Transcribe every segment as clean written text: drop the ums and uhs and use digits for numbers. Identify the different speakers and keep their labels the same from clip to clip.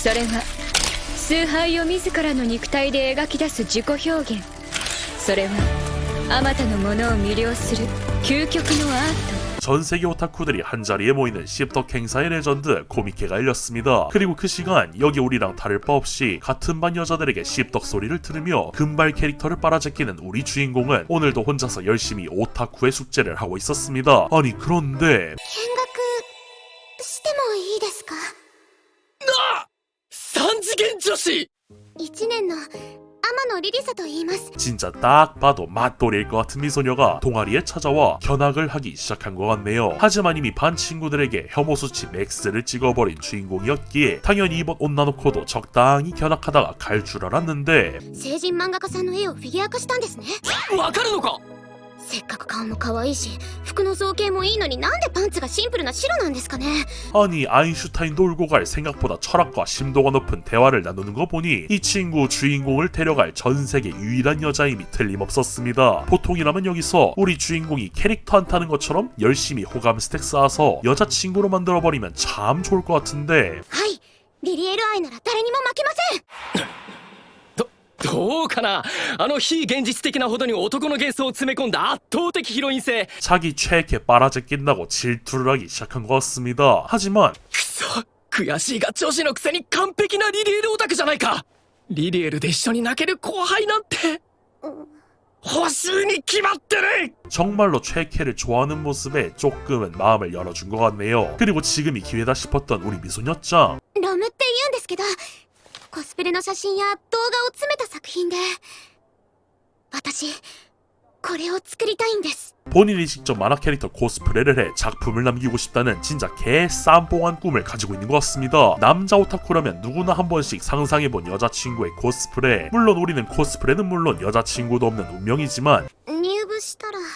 Speaker 1: それは崇拝を自らの肉体で描き出す自己表現。それはあまたのものを魅了する究極のアート。
Speaker 2: 전 세계 오타쿠들이 한자리에 모이는 씹덕 행사의 레전드 코미케가 열렸습니다. 그리고 그 시간 여기 우리랑 다를 바 없이 같은 반 여자들에게 씹덕 소리를 들으며 금발 캐릭터를 빨아제끼는 우리 주인공은 오늘도 혼자서 열심히 오타쿠의 숙제를 하고 있었습니다. 아니 그런데
Speaker 3: 見学してもいいですか？
Speaker 4: 三次元女子
Speaker 3: 1年の天野リリサと言います。
Speaker 2: 진짜 딱 봐도 맛돌이일 것 같은 미소녀가 동아리에 찾아와 견학을 하기 시작한 것 같네요. 하지만 이미 반 친구들에게 혐오 수치 맥스를 찍어버린 주인공이었기에 당연히 이번 온나노코도 적당히 견학하다가 갈 줄 알았는데
Speaker 3: 成人漫画家さんの絵をフィギュア化したんですね。
Speaker 4: わかるのか？
Speaker 3: せっかく顔も可愛いし服の造形もいいのになんでパンツがシンプルな白なんですかね。
Speaker 2: 아니 아인슈타인도 울고 갈 생각보다 철학과 심도가 높은 대화를 나누는 거 보니 이 친구 주인공을 데려갈 전 세계 유일한 여자임이 틀림없었습니다. 보통이라면 여기서 우리 주인공이 캐릭터 안 타는 것처럼 열심히 호감 스택 쌓아서 여자친구로 만들어버리면 참 좋을 것 같은데
Speaker 3: はい、リリエル愛なら誰にも負けません。
Speaker 4: どうかな。あの非現実的なほどに男の幻想を詰め込んだ圧倒的ヒロイン性。
Speaker 2: 자기 최애캐 빨아제낀다고 질투를 하기 시작한 것 같습니다. 하지만
Speaker 4: くそ、悔しいが女子のくせに完璧なリリエルオタクじゃないか。リリエルで一緒に泣ける後輩なんて欲しいに決まってる。
Speaker 2: 정말로 최애캐를 좋아하는 모습에 조금은 마음을 열어준 것 같네요. 그리고 지금이 기회다 싶었던 우리 미소녀짱.
Speaker 3: ラムって言うんですけど、コスプレの写真や動画を詰めた作品で、私これを作りたいんです。
Speaker 2: 본인이 직접 만화 캐릭터 코스프레를 해 작품을 남기고 싶다는 진짜 개쌈뽕한 꿈을 가지고 있는 것 같습니다. 남자 오타쿠라면 누구나 한 번씩 상상해본 여자친구의 코스프레. 물론 우리는 코스프레는 물론 여자친구도 없는 운명이지만
Speaker 3: 入部したら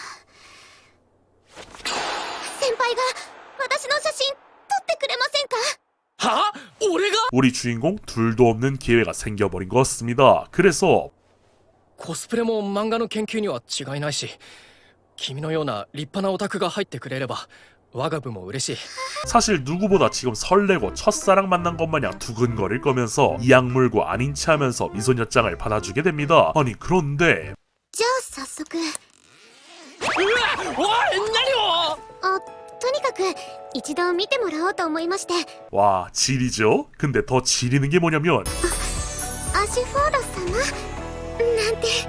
Speaker 3: 先輩が私の写真撮ってくれませんか？
Speaker 4: は？俺が？
Speaker 2: 우리 주인공 둘도 없는 기회가 생겨버린 것 같습니다. 그래서
Speaker 4: コスプレも漫画の研究には違いないし、君のような立派なオタクが入ってくれれば我が部も嬉しい。
Speaker 2: 사실 누구보다 지금 설레고 첫사랑 만난 것 마냥 두근거릴 거면서 이 약물고 아닌 체 하면서 미소녀짱을 받아주게 됩니다. 아니 그런데
Speaker 3: じゃあ早速。
Speaker 4: うわ、おい、何を？
Speaker 3: あ、とにかく一度見てもらおうと思いまして。
Speaker 2: 와 지리죠? 근데 더 지리는 게 뭐냐면
Speaker 3: アシュフォード様なんて。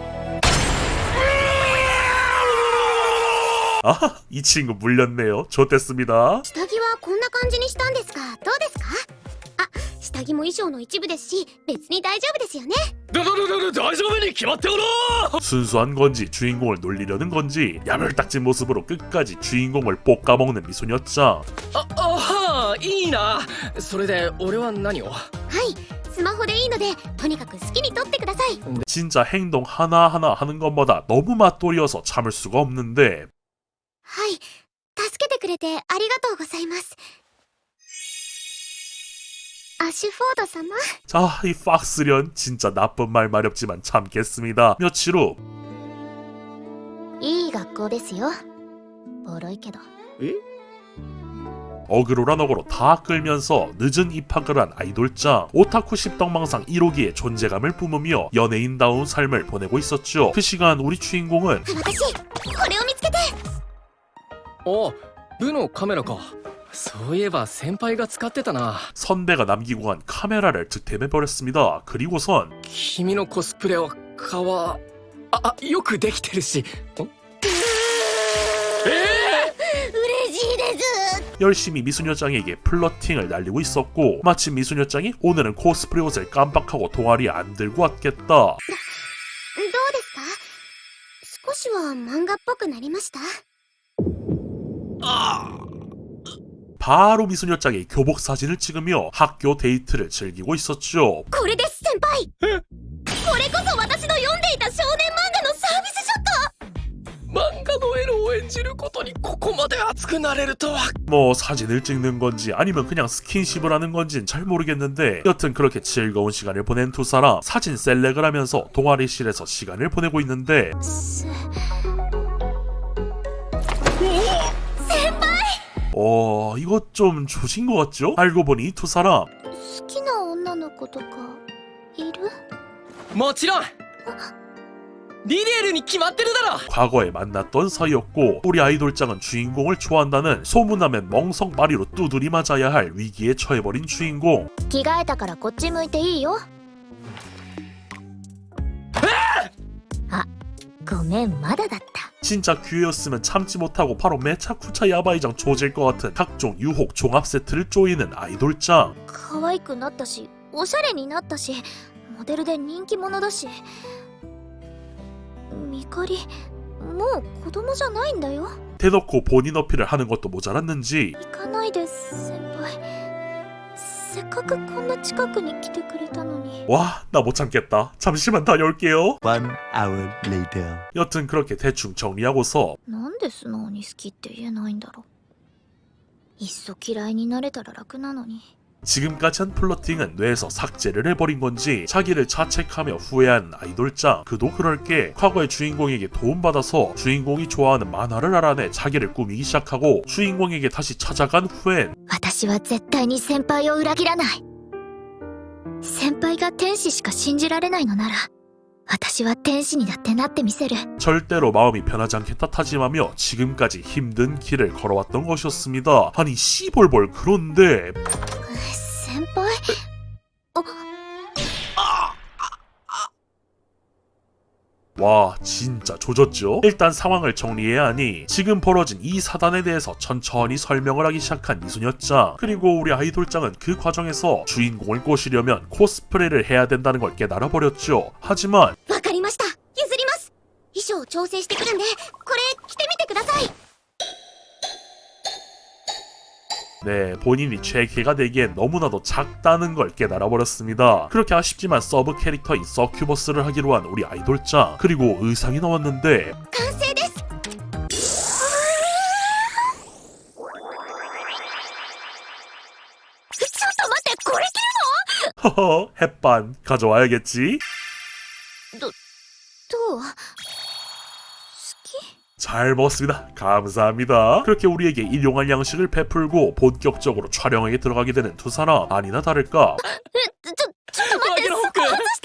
Speaker 2: 아, 이 친구 물렸네요. 좋댔습니다.
Speaker 3: 下着はこんな感じにしたんですがどうですか？あ、下着も衣装の一部ですし別に大丈夫ですよね。
Speaker 4: 大丈夫に決まっておろう。
Speaker 2: 순수한 건지 주인공을 놀리려는 건지 야물딱진 모습으로 끝까지 주인공을 볶아먹는 미소녀짱.
Speaker 4: いいな。それで俺は何を？
Speaker 3: はい、スマホでいいのでとにかく好きに撮ってください。
Speaker 2: 진짜 행동 하나하나 하는 것마다 너무 맛돌이어서 참을 수가 없는데
Speaker 3: はい、助けてくれてありがとうございます。アシュフォード様。
Speaker 2: 자, 이 팍스련 진짜 나쁜 말 마렵지만 참겠습니다. 며칠 후
Speaker 3: いい学校ですよ。ボロいけど。
Speaker 2: 어그로란 어그로 다 끌면서 늦은 입학을 한 아이돌짱. 오타쿠 십덕망상 1호기의 존재감을 뿜으며 연예인다운 삶을 보내고 있었죠. 그 시간 우리 주인공은
Speaker 3: 私これを見つけて。
Speaker 4: お、部のカメラか。そういえば先輩が使ってたな。
Speaker 2: 선배가 남기고 간 카메라를 득템해버렸습니다. 그리고선
Speaker 4: 君のコスプレはよくできてるし。
Speaker 3: 嬉しいです。
Speaker 2: 열심히 미소녀짱에게 플러팅을 날리고 있었고 마침 미소녀짱이 오늘은 코스프레 옷을 깜빡하고 동아리에 안 들고 왔겠다.
Speaker 3: どうですか？少しは漫画っぽくなりました？
Speaker 2: 바로 미소녀짱이 교복 사진을 찍으며 학교 데이트를 즐기고 있었죠.
Speaker 3: これです先輩。これこそ私の読んでいた少年漫画のサービスショット。
Speaker 4: 漫画のエロを演じることにここまで熱くなれるとは。
Speaker 2: 뭐 사진을 찍는 건지 아니면 그냥 스킨십을 하는 건지는 잘 모르겠는데 여튼 그렇게 즐거운 시간을 보낸 두 사람 사진 셀렉을 하면서 동아리실에서 시간을 보내고 있는데
Speaker 3: 先輩。
Speaker 2: 이거 좀 조진 것 같죠? 알고 보니 이 두 사람
Speaker 3: 好きな女のな子とかいる？
Speaker 4: もちろんリリエルに決まってるだろ。
Speaker 2: 과거에 만났던 사이였고 우리 아이돌장은 주인공을 좋아한다는 소문나면 멍석마리로 두드리 맞아야 할 위기에 처해버린 주인공.
Speaker 3: 着替えたからこっち向いていいよ。あ、ごめん、まだだった。
Speaker 2: 진짜 기회였으면 참지 못하고 바로 매차쿠차 야바이장 조질 것 같은 각종 유혹 종합 세트를 쪼이는 아이돌장.
Speaker 3: 可愛くなったし、おしゃれになったし、モデルで人気者だし。ミカリ、もう子供じゃないんだよ。
Speaker 2: 대놓고 본인 어필을 하는 것도 모자랐는지
Speaker 3: 行かないで先輩。せっかくこんな近くに来てくれたのに。
Speaker 2: 와, 나 못 참겠다. 잠시만 다녀올게요.
Speaker 5: One hour later.
Speaker 2: 여튼 그렇게 대충 정리하고서
Speaker 3: なんで素直に好きって言えないんだろう。いっそ嫌いになれたら楽なのに。
Speaker 2: 지금까지 한 플러팅은 뇌에서 삭제를 해버린 건지 자기를 자책하며 후회한 아이돌장. 그도 그럴 게 과거의 주인공에게 도움받아서 주인공이 좋아하는 만화를 알아내 자기를 꾸미기 시작하고 주인공에게 다시 찾아간 후엔
Speaker 3: 私は絶対に先輩を裏切らない。先輩が天使しか信じられないのなら、私は天使にだってなってみせる。
Speaker 2: 절대로 마음이 변하지 않겠다 타짐하며 지금까지 힘든 길을 걸어왔던 것이었습니다. 아니 씨볼볼. 그런데
Speaker 3: 先輩？
Speaker 2: 와, 진짜 조졌죠? 일단 상황을 정리해야 하니 지금 벌어진 이 사단에 대해서 천천히 설명을 하기 시작한 이소녀짱. 그리고 우리 아이돌짱은 그 과정에서 주인공을 꼬시려면 코스프레를 해야 된다는 걸 깨달아버렸죠. 하지만
Speaker 3: わかりました。譲ります。衣装を調整してくるんで、これ着てみてください。
Speaker 2: 네, 본인이 최애가 되기엔 너무나도 작다는 걸 깨달아버렸습니다. 그렇게 아쉽지만 서브 캐릭터인 서큐버스를 하기로 한 우리 아이돌짱. 그리고 의상이 나왔는데
Speaker 3: 完成です。ちょっと待って、これ着るの？
Speaker 2: 허허, 햇반 가져와야겠지?
Speaker 3: どう？好き？
Speaker 2: 잘 먹었습니다. 감사합니다. 그렇게 우리에게 일용할 양식을 베풀고 본격적으로 촬영에 들어가게 되는 두 사람. 아니나 다를까
Speaker 3: ちょっと待って、そこ外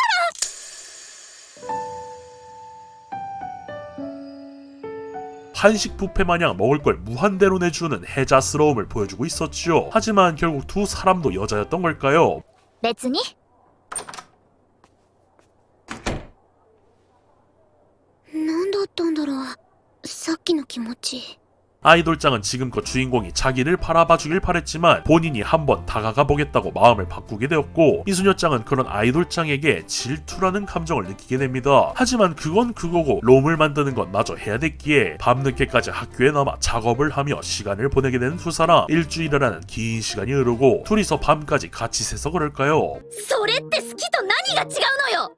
Speaker 3: したら。
Speaker 2: 한식 뷔페 마냥 먹을 걸 무한대로 내주는 해자스러움을 보여주고 있었지요. 하지만 결국 두 사람도 여자였던 걸까요?
Speaker 3: 別に。なんだったんだろう。さっきの気持ち。
Speaker 2: 아이돌장은 지금껏 주인공이 자기를 바라봐주길 바랬지만 본인이 한번 다가가 보겠다고 마음을 바꾸게 되었고 이소녀짱은 그런 아이돌장에게 질투라는 감정을 느끼게 됩니다. 하지만 그건 그거고 롬을 만드는 건 마저 해야 됐기에 밤늦게까지 학교에 남아 작업을 하며 시간을 보내게 되는 두 사람. 일주일이라는 긴 시간이 흐르고 둘이서 밤까지 같이 새서 그럴까요?
Speaker 3: それって好きと何が違うのよ。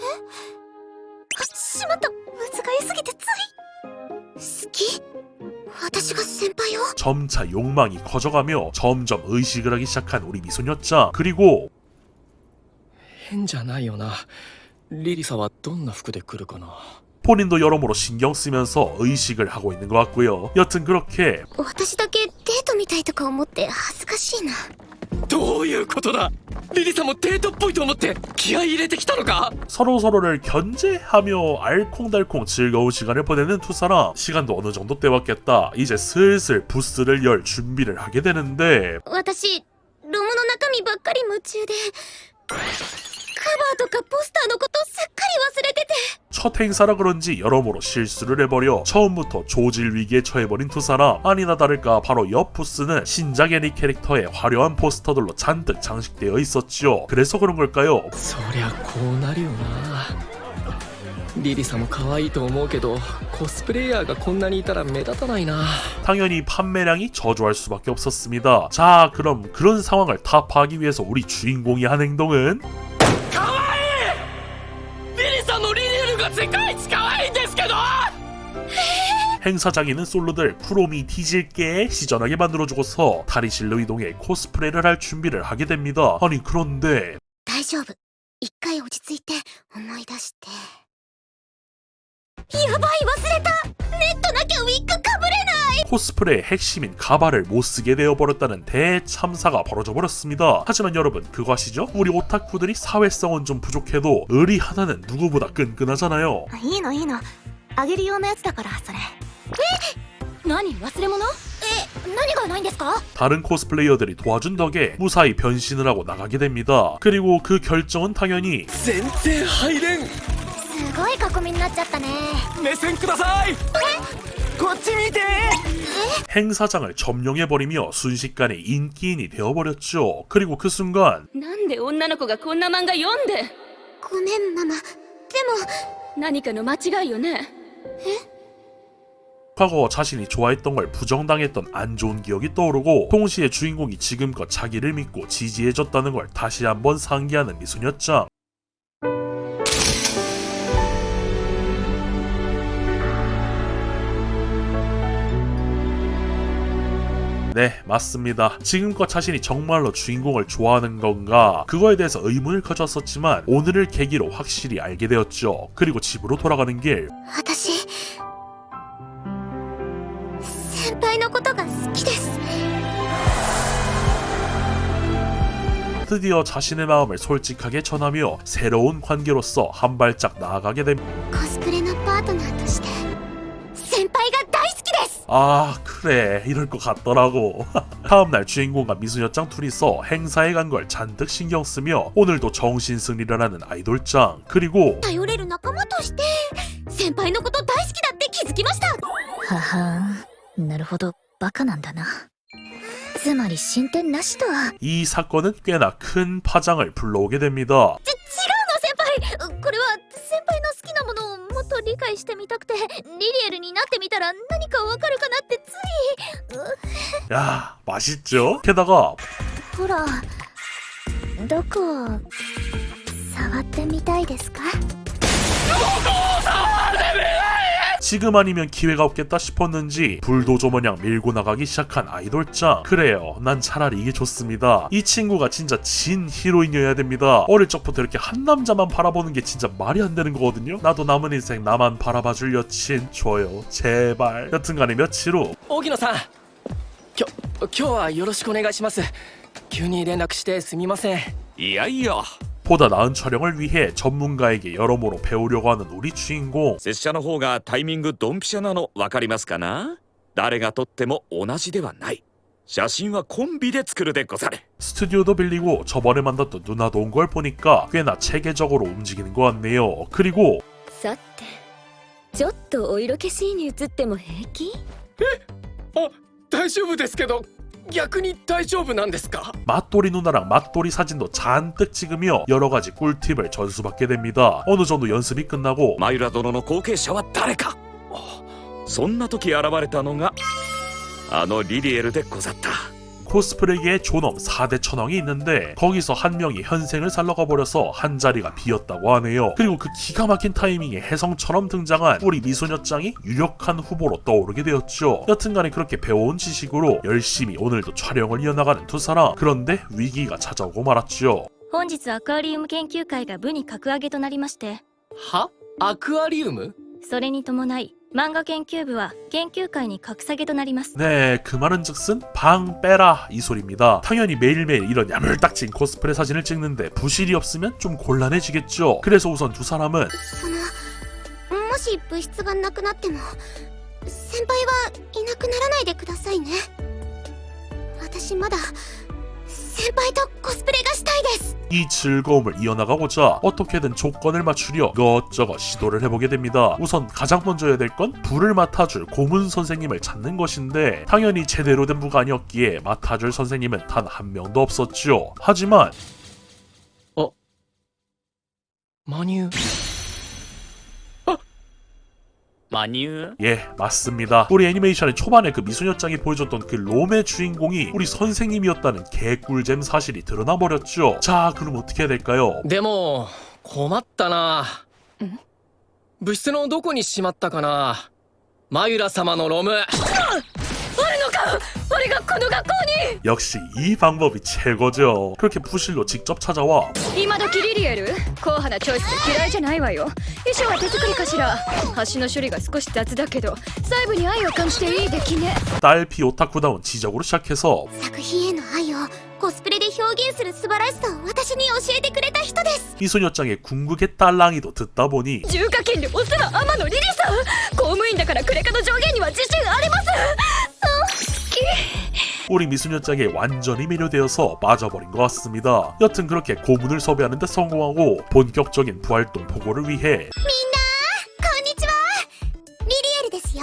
Speaker 3: しまった、難しすぎてつい。好き？私が先輩を？
Speaker 2: 점차 욕망이 커져가며 점점 의식을 하기 시작한 우리 미소녀짱. 그리고
Speaker 4: 変じゃないよな。リリサはどんな服で来るかな。
Speaker 2: 본인도 여러모로 신경 쓰면서 의식을 하고 있는 것 같고요. 여튼 그렇게
Speaker 3: 私だけデートみたいとか思って恥ずかしいな。
Speaker 4: どういうことだ。リリサもデートっぽいと思って気合い入れてきたのか。
Speaker 2: 서로서로를 견제하며 알콩달콩 즐거운 시간을 보내는 두 사람. 시간도 어느 정도 때웠겠다. 이제 슬슬 부스를 열 준비를 하게 되는데
Speaker 3: 私ロムの中身ばっかり夢中でカバーとかポスターのことすっかり忘れてて。
Speaker 2: 첫 행사라 그런지 여러모로 실수를 해버려 처음부터 조질 위기에 처해버린 두 사람. 아니나 다를까 바로 옆 부스는 신작 애니 캐릭터의 화려한 포스터들로 잔뜩 장식되어 있었지요. 그래서 그런 걸까요?
Speaker 4: そりゃこうなるよな。リリサも可愛いと思うけどコスプレイヤーがこんなにいたら目立たないな。
Speaker 2: 당연히 판매량이 저조할 수밖에 없었습니다. 자, 그럼 그런 상황을 타파하기 위해서 우리 주인공이 한 행동은
Speaker 4: 可愛い。リリサのリリエルが世界一可愛いんですけど。
Speaker 2: 행사장에는 솔로들 쿠로미 뒤질게 시전하게 만들어주고서 탈의실로 이동해 코스프레를 할 준비를 하게 됩니다. 아니 그런데
Speaker 3: 大丈夫。一回落ち着いて思い出して。 やばい、忘れた。ネットなきゃウィッグかぶれない。
Speaker 2: 코스프레의 핵심인 가발을 못쓰게 되어버렸다는 대참사가 벌어져버렸습니다. 하지만 여러분 그거 아시죠? 우리 오타쿠들이 사회성은 좀 부족해도 의리 하나는 누구보다 끈끈하잖아요.
Speaker 3: いいのいいの、あげる用のやつだからそれ。何、忘れ物？何がないんですか？
Speaker 2: 다른 코스플레이어들이 도와준 덕에 무사히 변신을 하고 나가게 됩니다. 그리고 그 결정은 당연히
Speaker 4: 全然入れん。
Speaker 3: すごい囲みになっちゃったね。
Speaker 4: 目線ください。こっち見て。
Speaker 2: 행사장을 점령해버리며 순식간에 인기인이 되어버렸죠. 그리고 그 순간
Speaker 1: なんで女の子がこんな漫画読んで。
Speaker 3: ごめんママ。でも
Speaker 1: 何かの間違いよね。
Speaker 2: 과거 자신이 좋아했던 걸 부정당했던 안 좋은 기억이 떠오르고 동시에 주인공이 지금껏 자기를 믿고 지지해줬다는 걸 다시 한번 상기하는 미소녀짱. 네, 맞습니다. 지금껏 자신이 정말로 주인공을 좋아하는 건가? 그거에 대해서 의문을 가졌었지만 오늘을 계기로 확실히 알게 되었죠. 그리고 집으로 돌아가는 길.
Speaker 3: 私先輩のことが好きです。
Speaker 2: 드디어 자신의 마음을 솔직하게 전하며 새로운 관계로서 한 발짝 나아가게 됩니다.
Speaker 3: コスプレのパートナーとして先輩が大好きです。
Speaker 2: 아 그래 이럴 것 같더라고. 다음날 주인공과 미소녀짱 둘이서 행사에 간 걸 잔뜩 신경쓰며 오늘도 정신승리를 하는 아이돌짱. 그리고
Speaker 3: 頼れる仲間として先輩のこと大好きだって気づきました。
Speaker 6: ははん、なるほど、バカなんだな。つまり進展なしとは。
Speaker 2: 이 사건은 꽤나 큰 파장을 불러오게 됩니다.
Speaker 3: 違うの先輩。これは先輩の好きなものをもっと理解してみたくて、リリエルになってみたら何かわかるかなってつい。
Speaker 2: 야 맛있죠? 게다가
Speaker 3: ほら、どこを触ってみたいですか？
Speaker 2: 지금 아니면 기회가 없겠다 싶었는지 불도저 마냥 밀고 나가기 시작한 아이돌짱. 그래요, 난 차라리 이게 좋습니다. 이 친구가 진짜 진 히로인이어야 됩니다. 어릴 적부터 이렇게 한 남자만 바라보는 게 진짜 말이 안 되는 거거든요. 나도 남은 인생 나만 바라봐줄 여친 줘요 제발. 여튼간에 며칠 후
Speaker 4: 荻野さん、今日はよろしくお願いします。急に連絡してすみません。
Speaker 7: いやいや
Speaker 2: 보다 나은 촬영을 위해 전문가에게 여러모로 배우려고 하는 우리 주인공.
Speaker 7: 拙者の方がタイミングドンピシャなの分かりますかな。誰が撮っても同じではない。写真はコンビで作るでござる。
Speaker 2: 스튜디오도 빌리고 저번에 만났던 누나도 온 걸 보니까 꽤나 체계적으로 움직이는 것 같네요. 그리고
Speaker 1: さて、ちょっとお色気シーンに映っても平気？
Speaker 4: あ、大丈夫ですけど、逆に大丈夫なんですか？
Speaker 2: 맛돌이 누나랑 맛돌이 사진도 잔뜩 찍으며 여러가지 꿀팁을 전수받게 됩니다. 어느 정도 연습이 끝나고
Speaker 7: マユラ殿の後継者は誰か。そんな時現れたのがあのリリエルでござった。
Speaker 2: 코스프레계의 존엄 4대 천왕이 있는데 거기서 한 명이 현생을 살러가 버려서 한 자리가 비었다고 하네요. 그리고 그 기가 막힌 타이밍에 혜성처럼 등장한 우리 미소녀짱이 유력한 후보로 떠오르게 되었죠. 여튼간에 그렇게 배워온 지식으로 열심히 오늘도 촬영을 이어나가는 두 사람. 그런데 위기가 찾아오고 말았죠.
Speaker 6: 本日アクアリウム研究会が部に格上げとなりまして、
Speaker 4: は？アクアリウム？
Speaker 6: それに伴い漫画研究部は研究会に格下げとなります。
Speaker 2: 네, 그 말은 즉슨 방 빼라 이 소리입니다. 당연히 매일매일 이런 야물딱진 코스프레 사진을 찍는데 부실이 없으면 좀 곤란해지겠죠. 그래서 우선 두 사람은
Speaker 3: もし物質がなくなっても先輩はいなくならないでくださいね。私まだ先輩とコスプレがしたいです。
Speaker 2: 이 즐거움을 이어나가고자 어떻게든 조건을 맞추려 이것저것 시도를 해보게 됩니다. 우선 가장 먼저 해야 될 건 부를 맡아줄 고문 선생님을 찾는 것인데 당연히 제대로 된 부가 아니었기에 맡아줄 선생님은 단 한 명도 없었죠. 하지만
Speaker 4: マニュー。
Speaker 7: マニュー。
Speaker 2: 예, 맞습니다. 우리 애니메이션의 초반에 그 미소녀짱이 보여줬던 그 롬의 주인공이 우리 선생님이었다는 개꿀잼 사실이 드러나버렸죠. 자, 그럼 어떻게 해야 될까요?
Speaker 4: でも困ったな。部室のどこにしまったかな。マユラ様のロム。あるのか？
Speaker 1: 俺がこの学校に。
Speaker 2: 역시 이 방법이 최고죠. 그렇게 부실로 직접 찾아와
Speaker 1: 今時リリエル硬派なチョイスで嫌いじゃないわよ。衣装は手作りかしら。橋の処理が少し雑だけど細部に愛を感じていい出来ね。
Speaker 2: 딸피 오타쿠다운 지적으로 시작해서
Speaker 3: 作品への愛をコスプレで表現する素晴らしさを私に教えてくれた人です。
Speaker 2: 미소녀짱의 궁극의 딸랑이도 듣다 보니
Speaker 1: 重課金でお世話天野リリさん。公務員だからクレカの上限には自信あります。好き。
Speaker 2: 우리 미소녀짱에 완전히 매료되어서 빠져버린 것 같습니다. 여튼 그렇게 고문을 섭외하는 데 성공하고 본격적인 부활동 보고를 위해
Speaker 3: みんなこんにちは、リリエルですよ。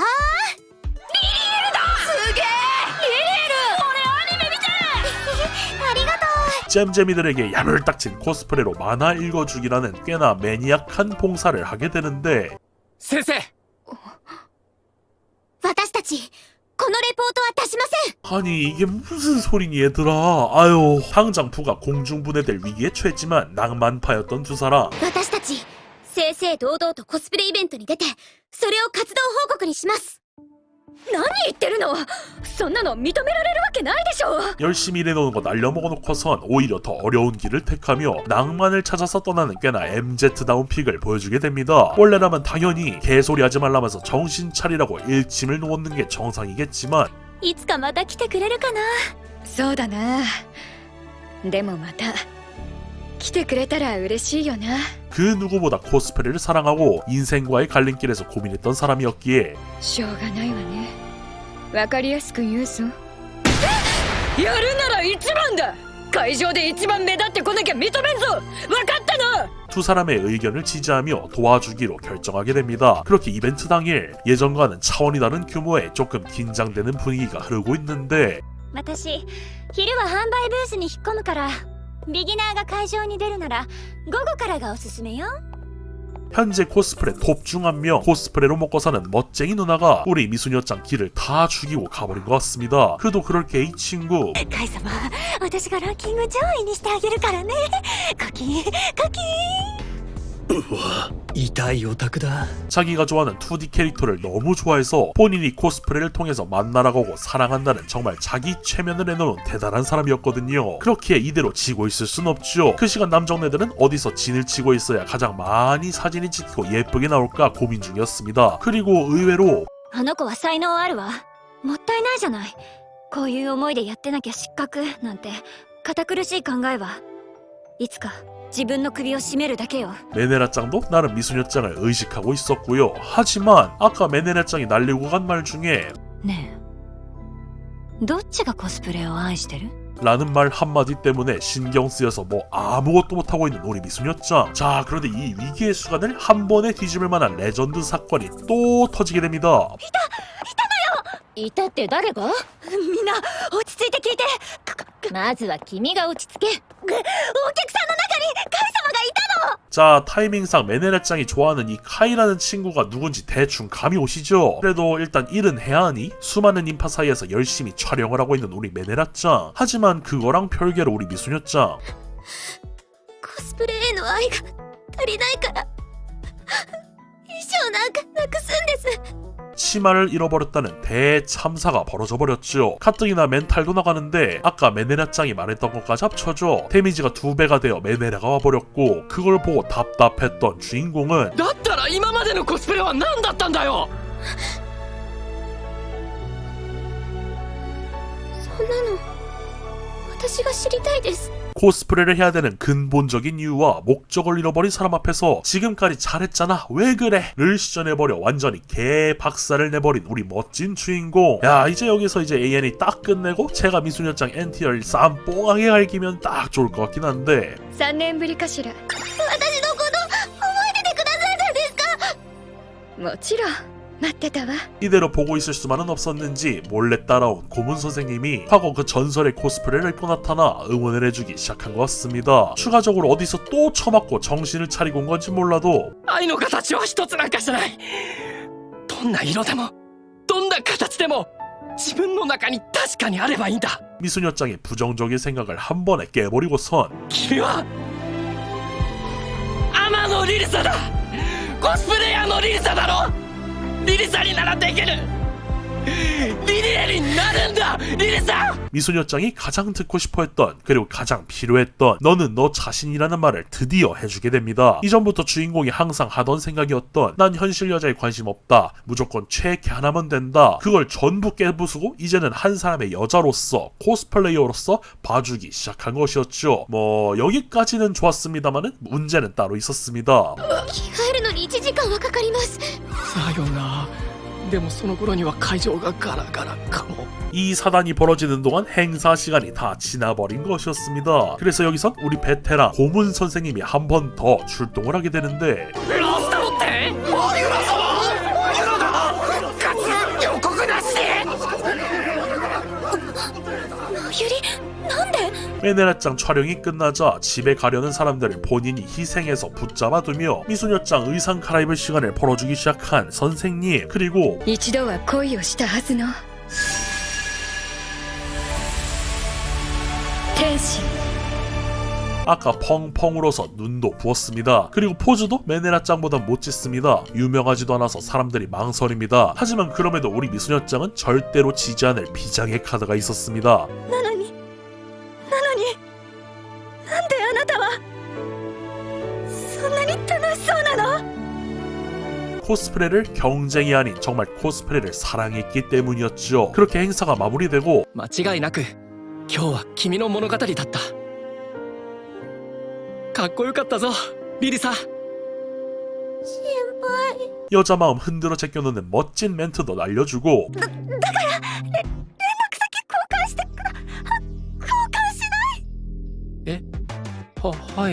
Speaker 1: すげえリリエル俺アニメ見て
Speaker 3: ありがとう。
Speaker 2: 잼잼이들에게 야물딱진 코스프레로 만화 읽어주기라는 꽤나 매니악한 봉사를 하게 되는데
Speaker 4: 先生、
Speaker 3: 私たちこのレポートは出しません。
Speaker 2: 아니 이게 무슨 소리니 얘들아. 아유 당장 부가 공중분해될 위기에 처했지만 낭만파였던 두 사람.
Speaker 3: 私たち正々堂々とコスプレイベントに出てそれを活動報告にします。
Speaker 1: 何言ってるの。そんなの認められるわけないでしょ。
Speaker 2: 열심히 일해놓은 거 날려먹어놓고선 오히려 더 어려운 길을 택하며 낭만을 찾아서 떠나는 꽤나 MZ다운 픽을 보여주게 됩니다. 원래라면 당연히 개소리 하지 말라면서 정신 차리라고 일침을 놓는 게 정상이겠지만
Speaker 3: いつかまた来てくれるかな。
Speaker 1: そうだな。でもまた来てくれたら嬉しいよな。
Speaker 2: 그 누구보다 코스프레를 사랑하고 인생과의 갈림길에서 고민했던 사람이었기에
Speaker 1: しょうがないわね。わかりやすく言うぞ。やるなら一番だ。会場で一番目立ってこなきゃ認めんぞ。わかったな。
Speaker 2: 두 사람의 의견을 지지하며 도와주기로 결정하게 됩니다. 그렇게 이벤트 당일 예전과는 차원이 다른 규모의 조금 긴장되는 분위기가 흐르고 있는데
Speaker 3: 私昼は販売ブースに引っ込むからビギナーが会場に出るなら午後からがおすすめよ。
Speaker 2: 현재 코스프레 톱 중 한 명 코스프레로 먹고 사는 멋쟁이 누나가 우리 미소녀짱 길을 다 죽이고 가버린 것 같습니다. 그도 그럴 게 이 친구
Speaker 3: カイ様、私がランキング上位にしてあげるからね。コキンコキン。
Speaker 4: 痛いオタクだ。
Speaker 2: 자기가 좋아하는 2D 캐릭터를 너무 좋아해서 본인이 코스프레를 통해서 만나라고 하고 사랑한다는 정말 자기 최면을 해놓은 대단한 사람이었거든요. 그렇기에 이대로 지고 있을 순 없죠. 그 시간 남정네들은 어디서 진을 치고 있어야 가장 많이 사진이 찍히고 예쁘게 나올까 고민 중이었습니다. 그리고 의외로
Speaker 3: あの子は才能あるわ。もったいないじゃない。こういう思いでやってなきゃ失格なんて堅苦しい考えはいつか自分の首を絞めるだけよ。
Speaker 2: 메네라짱도 나름 미소녀짱을 의식하고 있었고요. 하지만 아까 메네라짱이 날리고 간 말 중에
Speaker 3: ねえ、どっちがコスプレを愛してる？
Speaker 2: 라는 말 한마디 때문에 신경 쓰여서 뭐 아무것도 못하고 있는 우리 미소녀짱. 자 그런데 이 위기의 순간을 한 번에 뒤집을 만한 레전드 사건이 또 터지게 됩니다.
Speaker 3: いたって誰が？みんな落ち着いて聞いて。まずは君が落ち着け。お客さんの中にカイ様がいたの。
Speaker 2: 자 타이밍상 메네라짱이 좋아하는 이 카이라는 친구가 누군지 대충 감이 오시죠? 그래도 일단 일은 해야 하니 수많은 인파 사이에서 열심히 촬영을 하고 있는 우리 메네라짱. 하지만 그거랑 별개로 우리 미소녀짱
Speaker 3: コスプレへの愛が足りないから衣装なんかなくすんです。
Speaker 2: 치마를 잃어버렸다는 대참사가 벌어져 버렸죠. 가뜩이나 멘탈도 나가는데 아까 메네라짱이 말했던 것까지 합쳐져 데미지가 2배가 되어 메네라가 와버렸고 그걸 보고 답답했던 주인공은
Speaker 4: だったら今までのコスプレは何だったんだよ。
Speaker 3: そんなの私が知りたいです。
Speaker 2: 코스프레를 해야 되는 근본적인 이유와 목적을 잃어버린 사람 앞에서 지금까지 잘했잖아 왜 그래 를 시전해버려 완전히 개박살을 내버린 우리 멋진 주인공. 야 이제 여기서 이제 AN이 딱 끝내고 제가 미소녀짱 NTR 쌈 뽕하게 갈기면 딱 좋을 것 같긴 한데
Speaker 1: 3年ぶりかしら。
Speaker 3: 私のこと覚えててくださったんですか？
Speaker 1: もちろん待ってたわ。
Speaker 2: 이대로 보고 있을 수만은 없었는지 몰래 따라온 고문 선생님이 과거 그 전설의 코스프레를 입고 나타나 응원을 해주기 시작한 것 같습니다. 추가적으로 어디서 또 처맞고 정신을 차리고 온 건지 몰라도
Speaker 4: 愛の形は一つなんかじゃない。どんな色でもどんな形でも自分の中に確かにあればいいんだ。
Speaker 2: 미소녀짱의 부정적인 생각을 한 번에 깨버리고선
Speaker 4: 君は天野リリサだ。コスプレイヤーのリリサだろ。リリサにならできる。 リリエルになるんだリリさん。
Speaker 2: 미소녀짱이 가장 듣고 싶어했던 그리고 가장 필요했던 너는 너 자신이라는 말을 드디어 해주게 됩니다. 이전부터 주인공이 항상 하던 생각이었던 난 현실 여자에 관심 없다, 무조건 최애캐 하나면 된다, 그걸 전부 깨부수고 이제는 한 사람의 여자로서 코스플레이어로서 봐주기 시작한 것이었죠. 뭐 여기까지는 좋았습니다만은 문제는 따로 있었습니다.
Speaker 3: 着替えるのに1時間はかかります。
Speaker 4: さよな。でもその頃には会場がガラガラかも。
Speaker 2: 이 사단이 벌어지는 동안 행사 시간이 다 지나버린 것이었습니다. 그래서 여기선 우리 베테랑 고문 선생님이 한 번 더 출동을 하게 되는데
Speaker 4: ラスタロってユラ様ユラだ活予告なしで。
Speaker 3: ゆり、なんで？
Speaker 2: 메네라짱 촬영이 끝나자 집에 가려는 사람들을 본인이 희생해서 붙잡아두며 미소녀짱 의상 갈아입을 시간을 벌어주기 시작한 선생님, 그리고
Speaker 1: 一度は恋をしたはずの天使
Speaker 2: 아까 펑펑 울어서 눈도 부었습니다. 그리고 포즈도 메네라짱보다 못 짓습니다. 유명하지도 않아서 사람들이 망설입니다. 하지만 그럼에도 우리 미소녀짱은 절대로 지지 않을 비장의 카드가 있었습니다.
Speaker 3: なのになんであなたはそんなに楽しそうなの？
Speaker 2: 코스프레를 경쟁이 아닌 정말 코스프레를 사랑했기 때문이었죠. 그렇게 행사가 마무리되고
Speaker 4: 間違いなく今日は君の物語だった。かっこよかったぞリリサ。
Speaker 3: 先輩。
Speaker 2: 여자 마음 흔들어 제껴놓는 멋진 멘트도 날려주고
Speaker 3: 連絡先交換して交換しない？
Speaker 4: はい。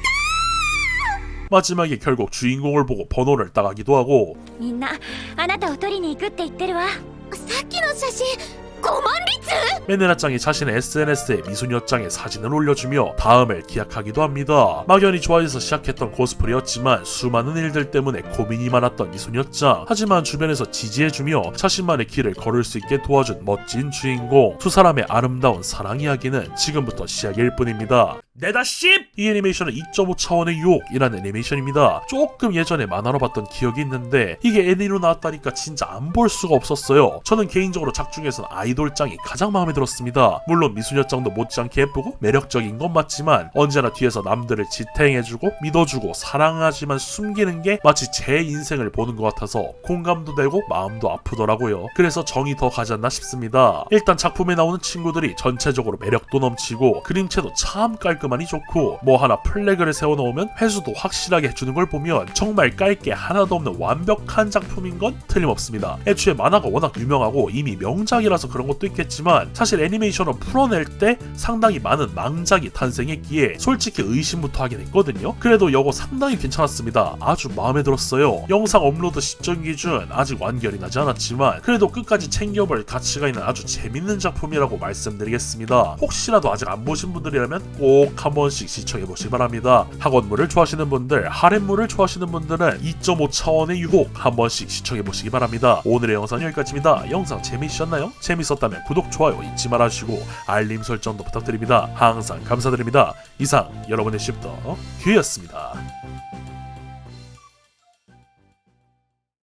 Speaker 2: 마지막에 결국 주인공을 보고 번호를 따가기도 하고
Speaker 3: みんなあなたを取りに行くって言ってるわ。さっきの写真5万律？
Speaker 2: 메네라짱이 자신의 SNS에 미소녀짱의 사진을 올려주며 다음을 기약하기도 합니다. 막연히 좋아해서 시작했던 코스프레였지만 수많은 일들 때문에 고민이 많았던 미소녀짱. 하지만 주변에서 지지해주며 자신만의 길을 걸을 수 있게 도와준 멋진 주인공. 두 사람의 아름다운 사랑 이야기는 지금부터 시작일 뿐입니다. 네다십! 이 애니메이션은 2.5 차원의 유혹이라는 애니메이션입니다. 조금 예전에 만화로 봤던 기억이 있는데 이게 애니로 나왔다니까 진짜 안 볼 수가 없었어요. 저는 개인적으로 작 중에서는 아이돌짱이 가장 마음에 들었습니다. 물론 미소녀짱도 못지않게 예쁘고 매력적인 건 맞지만 언제나 뒤에서 남들을 지탱해주고 믿어주고 사랑하지만 숨기는 게 마치 제 인생을 보는 것 같아서 공감도 되고 마음도 아프더라고요. 그래서 정이 더 가지 않나 싶습니다. 일단 작품에 나오는 친구들이 전체적으로 매력도 넘치고 그림체도 참 깔끔하니 좋고 뭐 하나 플래그를 세워놓으면 회수도 확실하게 해주는 걸 보면 정말 깔 게 하나도 없는 완벽한 작품인 건 틀림없습니다. 애초에 만화가 워낙 유명하고 이미 명작이라서 그런 것도 있겠지만 사실 애니메이션을 풀어낼 때 상당히 많은 망작이 탄생했기에 솔직히 의심부터 하긴 했거든요. 그래도 이거 상당히 괜찮았습니다. 아주 마음에 들었어요. 영상 업로드 시점 기준 아직 완결이 나지 않았지만 그래도 끝까지 챙겨볼 가치가 있는 아주 재밌는 작품이라고 말씀드리겠습니다. 혹시라도 아직 안 보신 분들이라면 꼭 한 번씩 시청해보시기 바랍니다. 학원물을 좋아하시는 분들, 하렘물을 좋아하시는 분들은 2.5 차원의 유혹 한 번씩 시청해보시기 바랍니다. 오늘의 영상은 여기까지입니다. 영상 재미있으셨나요? 재밌었다면 구독, 좋아요 잊지 말아주시고 알림 설정도 부탁드립니다. 항상 감사드립니다. 이상 여러분의 씹더 큐였습니다.